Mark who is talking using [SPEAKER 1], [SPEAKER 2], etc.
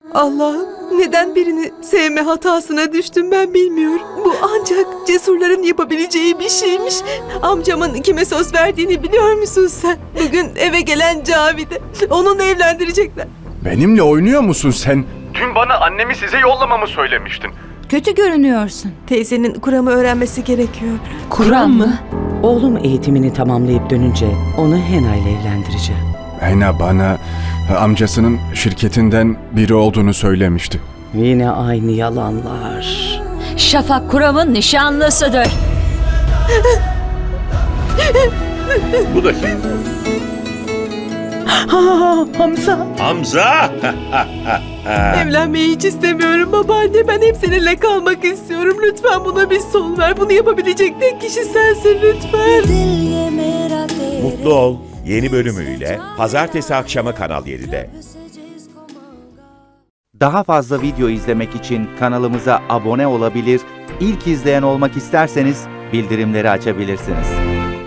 [SPEAKER 1] Allah'ım, neden birini sevme hatasına düştüm ben bilmiyorum. Bu ancak cesurların yapabileceği bir şeymiş. Amcamın kime söz verdiğini biliyor musun sen? Bugün eve gelen Cavide. Onunla evlendirecekler.
[SPEAKER 2] Benimle oynuyor musun sen? Dün bana annemi size yollamamı söylemiştin.
[SPEAKER 3] Kötü görünüyorsun.
[SPEAKER 1] Teyzenin Kur'an'ı öğrenmesi gerekiyor.
[SPEAKER 3] Kur'an mı?
[SPEAKER 4] Oğlum eğitimini tamamlayıp dönünce onu Hena ile evlendireceğim.
[SPEAKER 2] Hena bana amcasının şirketinden biri olduğunu söylemişti.
[SPEAKER 4] Yine aynı yalanlar.
[SPEAKER 3] Şafak Kuram'ın nişanlısıdır.
[SPEAKER 5] Bu da kim?
[SPEAKER 4] Hamza.
[SPEAKER 5] Hamza!
[SPEAKER 1] Evlenmeyi hiç istemiyorum babaanne. Ben hep seninle kalmak istiyorum. Lütfen buna bir son ver. Bunu yapabilecek tek kişi sensin lütfen.
[SPEAKER 5] Mutlu Ol yeni bölümüyle pazartesi akşamı Kanal 7'de.
[SPEAKER 6] Daha fazla video izlemek için kanalımıza abone olabilir, ilk izleyen olmak isterseniz bildirimleri açabilirsiniz.